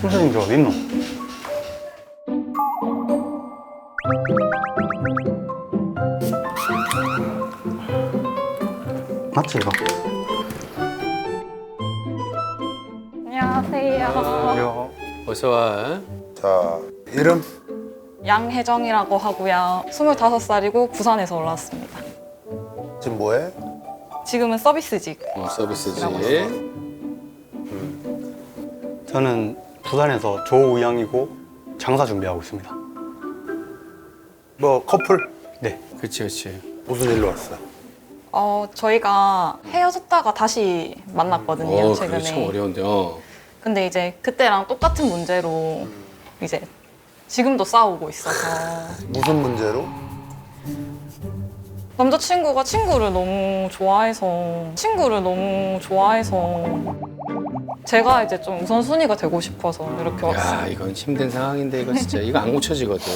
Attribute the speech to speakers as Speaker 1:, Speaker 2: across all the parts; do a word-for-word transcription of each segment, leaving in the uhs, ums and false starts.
Speaker 1: 선생님들 어디 있노? 맞지 이거?
Speaker 2: 안녕하세요.
Speaker 1: 안녕.
Speaker 3: 어서 와.
Speaker 4: 자, 이름?
Speaker 2: 양혜정이라고 하고요. 스물다섯 살이고 부산에서 올라왔습니다.
Speaker 4: 지금 뭐해?
Speaker 2: 지금은 서비스직.
Speaker 3: 어, 서비스지.
Speaker 1: 저는 부산에서 조의향이고 장사 준비하고 있습니다.
Speaker 4: 뭐 커플?
Speaker 1: 네.
Speaker 3: 그치, 그치.
Speaker 4: 무슨 일로 왔어?
Speaker 2: 어, 저희가 헤어졌다가 다시 만났거든요,
Speaker 3: 어,
Speaker 2: 최근에.
Speaker 3: 그게 참 어려운데, 어.
Speaker 2: 근데 이제 그때랑 똑같은 문제로 이제 지금도 싸우고 있어서
Speaker 4: 무슨 문제로?
Speaker 2: 남자친구가 친구를 너무 좋아해서 친구를 너무 좋아해서 제가 이제 좀 우선순위가 되고 싶어서 이렇게 왔어요.
Speaker 3: 야, 이건 힘든 상황인데, 이거 진짜. 이거 안 고쳐지거든.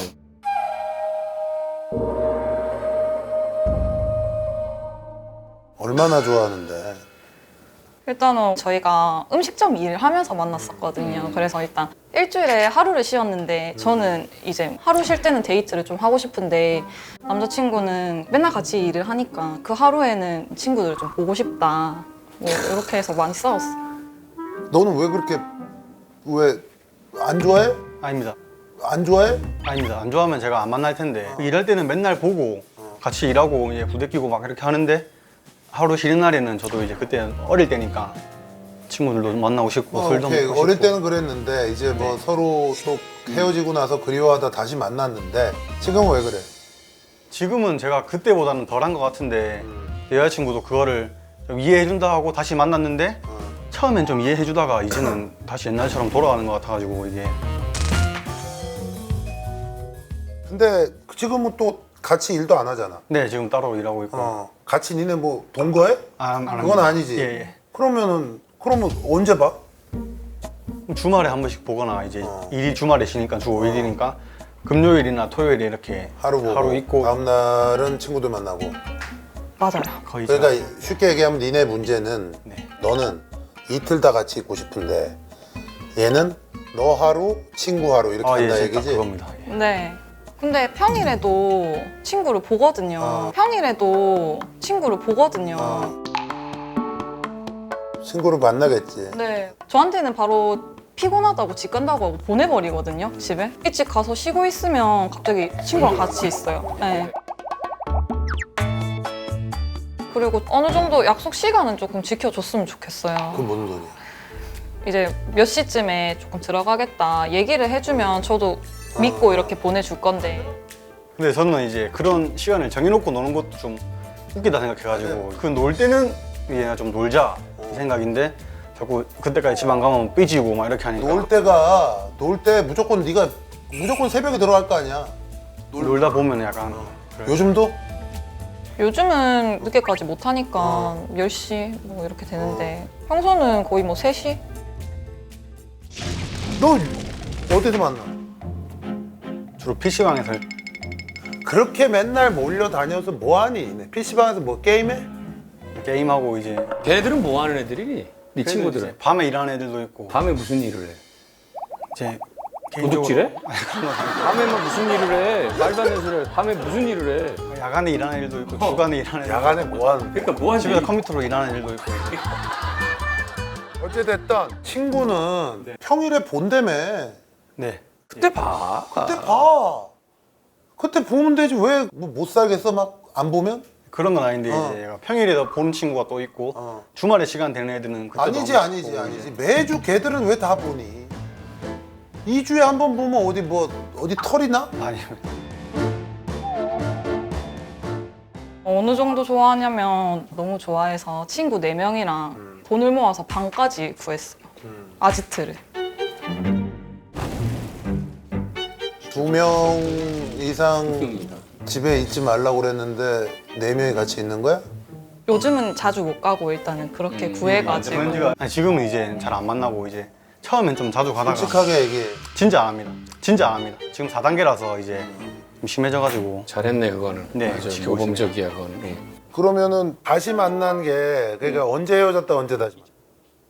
Speaker 4: 얼마나 좋아하는데?
Speaker 2: 일단은 저희가 음식점 일을 하면서 만났었거든요. 그래서 일단 일주일에 하루를 쉬었는데 저는 이제 하루 쉴 때는 데이트를 좀 하고 싶은데 남자친구는 맨날 같이 일을 하니까 그 하루에는 친구들을 좀 보고 싶다. 뭐 이렇게 해서 많이 싸웠어요.
Speaker 4: 너는 왜 그렇게 왜 안 좋아해?
Speaker 1: 아닙니다.
Speaker 4: 안 좋아해?
Speaker 1: 아닙니다. 안 좋아하면 제가 안 만날 텐데 일할 때는 맨날 보고 같이 일하고 이제 부대끼고 막 이렇게 하는데 하루 쉬는 날에는 저도 이제 그때 어릴 때니까 친구들도 만나고 싶고
Speaker 4: 어,
Speaker 1: 술도
Speaker 4: 오케이.
Speaker 1: 먹고
Speaker 4: 어릴
Speaker 1: 싶고.
Speaker 4: 때는 그랬는데 이제 뭐 서로 또 헤어지고 나서 그리워하다 다시 만났는데 지금은 왜 그래?
Speaker 1: 지금은 제가 그때보다는 덜한 것 같은데 여자친구도 그거를 좀 이해해준다 하고 다시 만났는데 처음엔 좀 이해해주다가 이제는 다시 옛날처럼 돌아가는 것 같아가지고 이게
Speaker 4: 근데 지금은 또 같이 일도 안 하잖아.
Speaker 1: 네 지금 따로 일하고 있고
Speaker 4: 어, 같이 니네 뭐 동거해?
Speaker 1: 아, 안
Speaker 4: 그건
Speaker 1: 합니다.
Speaker 4: 아니지.
Speaker 1: 예, 예.
Speaker 4: 그러면은 그러면 언제 봐?
Speaker 1: 주말에 한 번씩 보거나 이제
Speaker 4: 어.
Speaker 1: 일이 주말에 쉬니까 주 오 일이니까 금요일이나 토요일에 이렇게
Speaker 4: 하루 보고
Speaker 1: 하루 있고
Speaker 4: 다음 날은 친구들 만나고.
Speaker 2: 맞아요.
Speaker 1: 거의
Speaker 4: 그러니까
Speaker 1: 제가-
Speaker 4: 쉽게 얘기하면 니네 문제는
Speaker 1: 네.
Speaker 4: 너는 이틀 다 같이 있고 싶은데 얘는 너 하루 친구 하루 이렇게
Speaker 1: 아, 예,
Speaker 4: 한다
Speaker 1: 진짜
Speaker 4: 얘기지.
Speaker 1: 그겁니다. 예.
Speaker 2: 네. 근데 평일에도 친구를 보거든요.
Speaker 4: 어.
Speaker 2: 평일에도 친구를 보거든요.
Speaker 4: 어. 친구를 만나겠지.
Speaker 2: 네. 저한테는 바로 피곤하다고 집 간다고 하고 보내버리거든요, 집에. 일찍 가서 쉬고 있으면 갑자기 친구랑 같이 있어요. 네. 그리고 어느 정도 약속 시간은 조금 지켜줬으면 좋겠어요.
Speaker 4: 그건 무슨 소리야?
Speaker 2: 이제 몇 시쯤에 조금 들어가겠다 얘기를 해주면 저도 믿고 이렇게 보내줄 건데.
Speaker 1: 근데 저는 이제 그런 시간을 정해놓고 노는 것도 좀 웃기다 생각해가지고 그 놀 때는 얘가 좀 놀자 이 생각인데 자꾸 그때까지 집 안 가면 삐지고 막 이렇게 하니까
Speaker 4: 놀 때가 놀 때 무조건 네가 무조건 새벽에 들어갈 거 아니야.
Speaker 1: 놀다 보면 약간 그래요.
Speaker 4: 요즘도?
Speaker 2: 요즘은 늦게까지 못 하니까 열 시 뭐 이렇게 되는데 평소는 거의 뭐 세 시?
Speaker 4: 너 어디서 만나?
Speaker 1: 주로 피시방에서
Speaker 4: 그렇게 맨날 몰려다녀서 뭐하니? 피시방에서 뭐 게임해?
Speaker 1: 게임하고 이제
Speaker 3: 걔네들은 뭐 하는 애들이니? 네 친구들은?
Speaker 1: 이제 밤에 일하는 애들도 있고
Speaker 3: 밤에 무슨 일을 해?
Speaker 1: 이제
Speaker 3: 도둑질해?
Speaker 1: 아니, 그런 거 아니고
Speaker 3: 밤에 뭐 무슨 일을 해? 말도 안 되는 소리 해. 밤에 무슨 일을 해?
Speaker 1: 야간에 일하는 애들도 있고 주간에 일하는 애들도
Speaker 4: 야간에 뭐 하는데?
Speaker 3: 그러니까 뭐 하지?
Speaker 1: 집에서 컴퓨터로 일하는 애들도 있고
Speaker 4: 어찌됐든 친구는 평일에 본다며.
Speaker 1: 네
Speaker 3: 그때 봐.
Speaker 4: 그때 봐. 그때 보면 되지. 왜 못 살겠어? 막 안 보면?
Speaker 1: 그런 건 아닌데
Speaker 4: 어.
Speaker 1: 이제 얘가 평일에도 보는 친구가 또 있고
Speaker 4: 어.
Speaker 1: 주말에 시간 되는 애들은 그때도
Speaker 4: 아니지
Speaker 1: 한 번씩
Speaker 4: 아니지
Speaker 1: 보고
Speaker 4: 아니지.
Speaker 1: 이제.
Speaker 4: 매주 걔들은 왜 다 보니? 이 주에 한 번 보면 어디 뭐 어디 털이 나?
Speaker 1: 아니
Speaker 2: 어느 정도 좋아하냐면 너무 좋아해서 친구 네 명이랑 돈을 모아서 방까지 구했어요. 아지트를.
Speaker 4: 두 명 이상 집에 있지 말라고 그랬는데 네 명이 같이 있는 거야?
Speaker 2: 요즘은 자주 못 가고 일단은 그렇게 구해가지고.
Speaker 1: 현지가 아니, 지금은 이제 잘 안 만나고 이제 처음엔 좀 자주 가다가
Speaker 4: 솔직하게 얘기해.
Speaker 1: 진짜 안 합니다. 진짜 안 합니다. 지금 사 단계라서 이제 좀 심해져가지고
Speaker 3: 잘했네 그거는.
Speaker 1: 네,
Speaker 3: 맞아,
Speaker 1: 지키고
Speaker 3: 모범적이야 그건. 응.
Speaker 4: 그러면은 다시 만난 게 그러니까 언제 헤어졌다 언제 다시 만났어?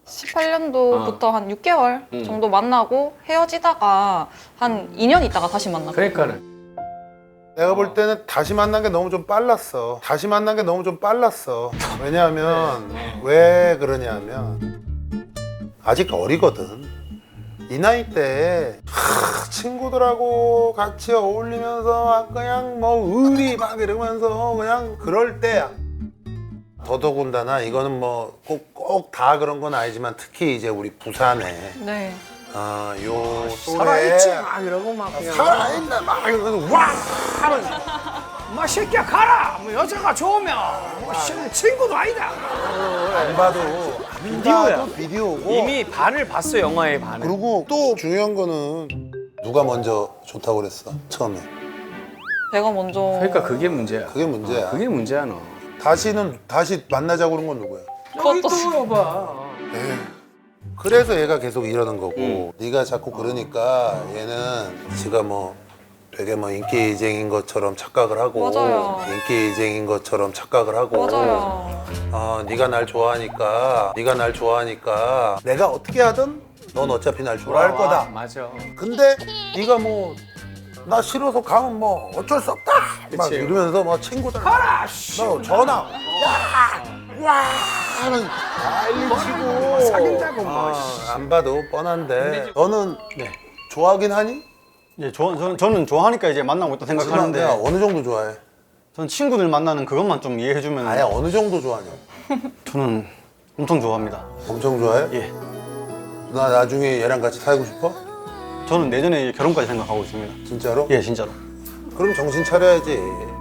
Speaker 2: 십팔 년도부터 한 육 개월
Speaker 3: 음.
Speaker 2: 정도 만나고 헤어지다가 한 이 년 있다가 다시 만났거든요.
Speaker 3: 그러니까는
Speaker 4: 내가 볼 때는 다시 만난 게 너무 좀 빨랐어. 다시 만난 게 너무 좀 빨랐어. 왜냐하면 왜 그러냐면 아직 어리거든. 이 나이 때 하, 친구들하고 같이 어울리면서 막 그냥 뭐 의리 막 이러면서 그냥 그럴 때야. 더더군다나 이거는 뭐 꼭 꼭 다 그런 건 아니지만 특히 이제 우리 부산에
Speaker 2: 네.
Speaker 4: 아, 요
Speaker 3: 살아있지 막 이러고 막 그냥
Speaker 4: 살아있나 막 이러면서 와 하면서
Speaker 3: 마 새끼야 가라 뭐 여자가 좋으면 뭐 씨는 친구도 아니다
Speaker 4: 안 봐도
Speaker 3: 비디오야.
Speaker 4: 안 봐도 비디오고
Speaker 3: 이미 반을 봤어 영화의 반을
Speaker 4: 그리고 또 중요한 거는 누가 먼저 좋다고 그랬어 처음에
Speaker 2: 제가 먼저
Speaker 3: 그러니까 그게 문제야
Speaker 4: 그게 문제야.
Speaker 3: 어, 그게 문제야 너
Speaker 4: 다시는 다시 만나자고 그런 건 누구야?
Speaker 3: 여기
Speaker 2: 그것도
Speaker 3: 또 봐
Speaker 4: 에휴. 그래서 얘가 계속 이러는 거고
Speaker 3: 음.
Speaker 4: 네가 자꾸 그러니까 얘는 지가 뭐 되게 뭐 인기쟁인 것처럼 착각을 하고
Speaker 2: 맞아요.
Speaker 4: 인기쟁인 것처럼 착각을 하고
Speaker 2: 맞아요.
Speaker 4: 어, 네가 날 좋아하니까 네가 날 좋아하니까 내가 어떻게 하든 넌 어차피 날 좋아할
Speaker 3: 아,
Speaker 4: 거다.
Speaker 3: 맞아
Speaker 4: 근데 네가 뭐 나 싫어서 가면 뭐 어쩔 수 없다 막
Speaker 3: 그치.
Speaker 4: 이러면서 막 친구들
Speaker 3: 가라 씨
Speaker 4: 너 전화 와와 하는 난리 치고
Speaker 3: 사귄다고 뭐,
Speaker 4: 아, 안 봐도 뻔한데 너는
Speaker 1: 네.
Speaker 4: 좋아하긴 하니?
Speaker 1: 예, 저, 저는, 저는 좋아하니까 이제 만나고 있다 생각하는데
Speaker 4: 내가 어느 정도 좋아해?
Speaker 1: 저는 친구들 만나는 그것만 좀 이해해주면
Speaker 4: 아예 어느 정도 좋아하냐?
Speaker 1: 저는 엄청 좋아합니다.
Speaker 4: 엄청 좋아해?
Speaker 1: 예,
Speaker 4: 나 나중에 얘랑 같이 살고 싶어?
Speaker 1: 저는 내년에 결혼까지 생각하고 있습니다.
Speaker 4: 진짜로?
Speaker 1: 예, 진짜로.
Speaker 4: 그럼 정신 차려야지.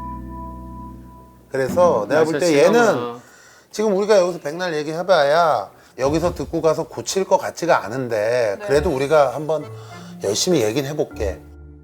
Speaker 4: 그래서 내가 볼 때 얘는 지금 우리가 여기서 백날 얘기해봐야 여기서 듣고 가서 고칠 것 같지가 않은데 그래도 우리가 한번 열심히 얘기는 해볼게.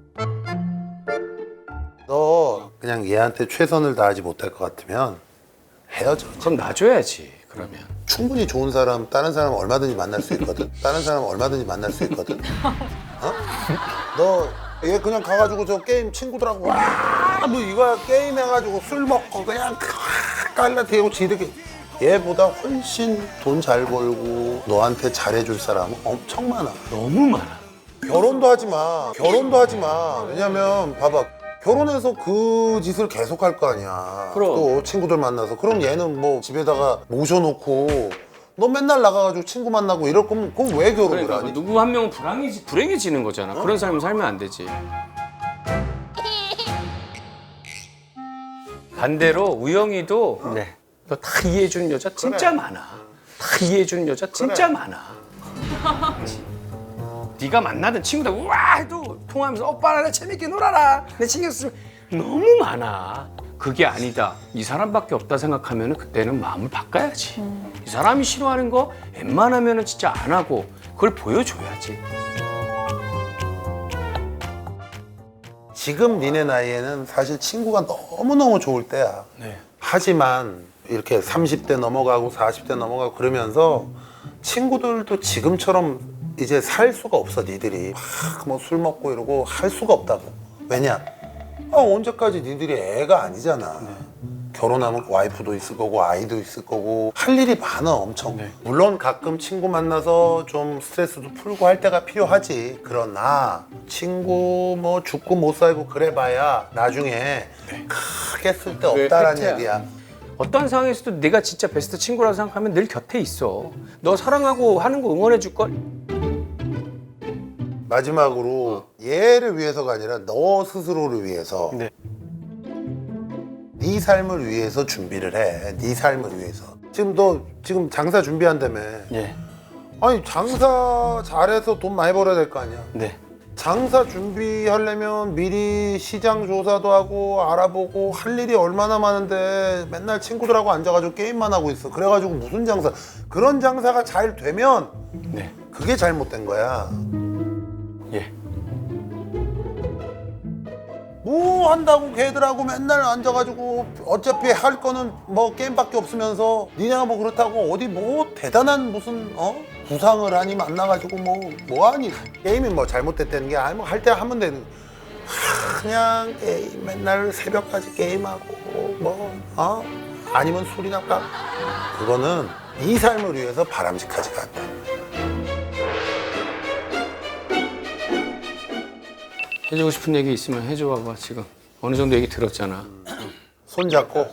Speaker 4: 너 그냥 얘한테 최선을 다하지 못할 것 같으면 헤어져.
Speaker 3: 그럼 놔줘야지 그러면
Speaker 4: 충분히 좋은 사람 다른 사람 얼마든지 만날 수 있거든. 다른 사람 얼마든지 만날 수 있거든. 어? 너 얘 그냥 가가지고 저 게임 친구들하고 와뭐 이거야 게임 해가지고 술 먹고 그냥 깔라대고 지르게 얘보다 훨씬 돈 잘 벌고 너한테 잘해줄 사람은 엄청 많아.
Speaker 3: 너무 많아
Speaker 4: 결혼도 하지 마. 결혼도 하지 마. 왜냐면 봐봐. 결혼해서 그 짓을 계속 할 거 아니야.
Speaker 3: 그럼.
Speaker 4: 또 친구들 만나서. 그럼 얘는 뭐 집에다가 모셔놓고 너 맨날 나가가지고 친구 만나고 이럴 거면 그럼 왜 결혼을
Speaker 3: 그러니까
Speaker 4: 하니?
Speaker 3: 누구 한 명은 불행해지, 불행해지는 거잖아 그런 삶을 살면 안 되지 반대로 우영이도
Speaker 1: 네.
Speaker 3: 너 다 이해해주는 여자 진짜
Speaker 4: 그래.
Speaker 3: 많아 다 이해해주는 여자 진짜
Speaker 4: 그래.
Speaker 3: 많아 네가 만나던 친구들 우와 해도 통화하면서 오빠 나 재밌게 놀아라 내 신경 쓰 너무 많아 그게 아니다 이 사람밖에 없다 생각하면 그때는 마음을 바꿔야지 이 사람이 싫어하는 거 웬만하면 진짜 안 하고 그걸 보여줘야지
Speaker 4: 지금 니네 나이에는 사실 친구가 너무너무 좋을 때야.
Speaker 1: 네.
Speaker 4: 하지만 이렇게 삼십 대 넘어가고 사십 대 넘어가고 그러면서 친구들도 지금처럼 이제 살 수가 없어 니들이 막 뭐 술 먹고 이러고 할 수가 없다고. 왜냐? 아, 언제까지 니들이 애가 아니잖아. 결혼하면 와이프도 있을 거고 아이도 있을 거고 할 일이 많아 엄청.
Speaker 1: 네.
Speaker 4: 물론 가끔 친구 만나서 좀 스트레스도 풀고 할 때가 필요하지. 그러나 친구 뭐 죽고 못 살고 그래봐야 나중에 크게 쓸 데
Speaker 3: 그게
Speaker 4: 없다라는
Speaker 3: 팩트야.
Speaker 4: 얘기야.
Speaker 3: 어떤 상황에서도 내가 진짜 베스트 친구라고 생각하면 늘 곁에 있어 너 사랑하고 하는 거 응원해 줄걸
Speaker 4: 마지막으로 얘를 위해서가 아니라 너 스스로를 위해서
Speaker 1: 네.
Speaker 4: 네 삶을 위해서 준비를 해. 네 삶을 위해서. 지금 너 지금 장사 준비한다며.
Speaker 1: 예.
Speaker 4: 아니 장사 잘해서 돈 많이 벌어야 될 거 아니야.
Speaker 1: 네.
Speaker 4: 장사 준비하려면 미리 시장 조사도 하고 알아보고 할 일이 얼마나 많은데 맨날 친구들하고 앉아가지고 게임만 하고 있어. 그래가지고 무슨 장사? 그런 장사가 잘 되면
Speaker 1: 네.
Speaker 4: 그게 잘못된 거야.
Speaker 1: 예.
Speaker 4: 뭐 한다고 걔들하고 맨날 앉아가지고 어차피 할 거는 뭐 게임밖에 없으면서 니네가 뭐 그렇다고 어디 뭐 대단한 무슨 어 구상을 하니 만나가지고 뭐 뭐하니 게임이 뭐 잘못됐다는 게 아니 뭐 할 때 하면 되는 하, 그냥 게임 맨날 새벽까지 게임하고 뭐 어 아니면 술이나 까 그거는 네 삶을 위해서 바람직하지가 않다.
Speaker 3: 해주고 싶은 얘기 있으면 해줘 봐봐. 지금 어느 정도 얘기 들었잖아.
Speaker 4: 손 잡고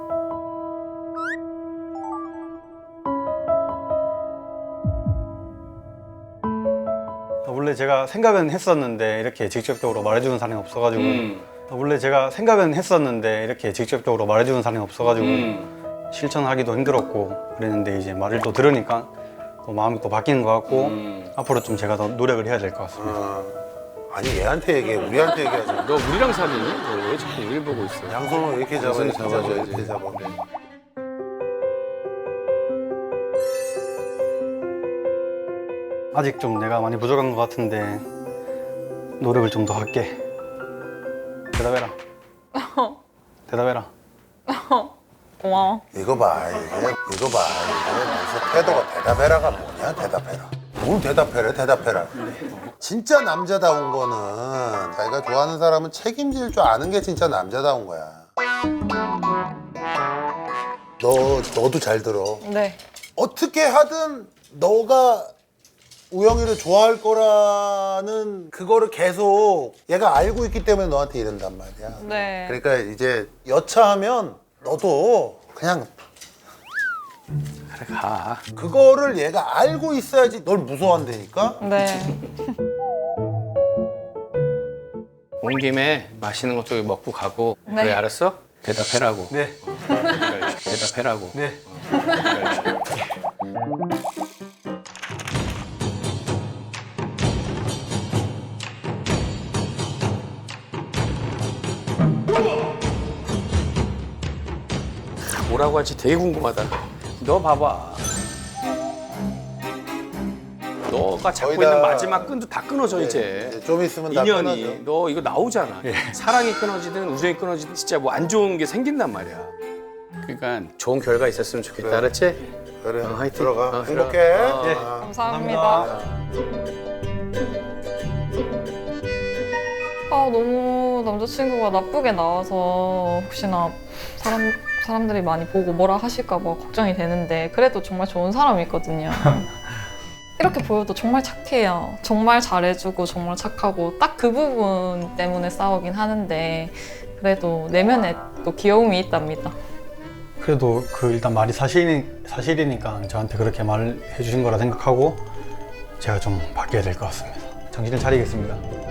Speaker 1: 원래 제가 생각은 했었는데 이렇게 직접적으로 말해주는 사람이 없어가지고
Speaker 3: 음.
Speaker 1: 원래 제가 생각은 했었는데 이렇게 직접적으로 말해주는 사람이 없어가지고
Speaker 3: 음.
Speaker 1: 실천하기도 힘들었고 그랬는데 이제 말을 또 들으니까 또 마음이 또 바뀌는 것 같고
Speaker 3: 음.
Speaker 1: 앞으로 좀 제가 더 노력을 해야 될 것 같습니다.
Speaker 4: 어. 아니 얘한테 얘기해 우리한테 얘기하지
Speaker 3: 너 우리랑 사귀니? 너 왜 자꾸 우리를 보고 있어?
Speaker 4: 양손을 이렇게 잡아
Speaker 3: 양손을
Speaker 4: 이렇게 잡아
Speaker 3: 잡아줘야지.
Speaker 4: 이렇게 잡아
Speaker 1: 아직 좀 내가 많이 부족한 것 같은데 노력을 좀 더 할게. 대답해라. 대답해라.
Speaker 2: 고마워.
Speaker 4: 이거 봐 이게 이거 봐 이게 무슨 태도가 대답해라가 뭐냐 대답해라 뭘 대답해라 대답해라 진짜 남자다운 거는 자기가 좋아하는 사람은 책임질 줄 아는 게 진짜 남자다운 거야 너 너도 잘 들어
Speaker 2: 네.
Speaker 4: 어떻게 하든 너가 우영이를 좋아할 거라는 그거를 계속 얘가 알고 있기 때문에 너한테 이런단 말이야
Speaker 2: 네.
Speaker 4: 그러니까 이제 여차하면 너도 그냥
Speaker 3: 그래 가.
Speaker 4: 그거를 얘가 알고 있어야지 널 무서워한다니까
Speaker 2: 네.
Speaker 3: 온 김에 맛있는 것도 먹고 가고.
Speaker 2: 네.
Speaker 3: 그래 알았어? 대답해라고.
Speaker 1: 네.
Speaker 3: 대답해라고.
Speaker 1: 네.
Speaker 3: 뭐라고 할지 되게 궁금하다. 너 봐봐. 너가 잡고
Speaker 4: 거의 다-
Speaker 3: 있는 마지막 끈도 다 끊어져 이제.
Speaker 4: 이제 좀 있으면 다
Speaker 3: 인연이
Speaker 4: 끊어져.
Speaker 3: 너 이거 나오잖아. 사랑이 끊어지든 우정이 끊어지든 진짜 뭐 안 좋은 게 생긴단 말이야. 그러니까 좋은 결과 있었으면 좋겠다.
Speaker 4: 그래.
Speaker 3: 알았지?
Speaker 4: 그래
Speaker 3: 어, 화이팅.
Speaker 4: 들어가
Speaker 3: 어,
Speaker 4: 행복해
Speaker 3: 들어가. 어.
Speaker 1: 예.
Speaker 4: 어.
Speaker 2: 감사합니다. 아, 너무 남자친구가 나쁘게 나와서 혹시나 사람, 사람들이 많이 보고 뭐라 하실까 봐 걱정이 되는데 그래도 정말 좋은 사람이거든요. 이렇게 보여도 정말 착해요. 정말 잘해주고 정말 착하고 딱 그 부분 때문에 싸우긴 하는데 그래도 내면에 또 귀여움이 있답니다.
Speaker 1: 그래도 그 일단 말이 사실이, 사실이니까 저한테 그렇게 말을 해주신 거라 생각하고 제가 좀 바뀌어야 될 것 같습니다. 정신을 차리겠습니다.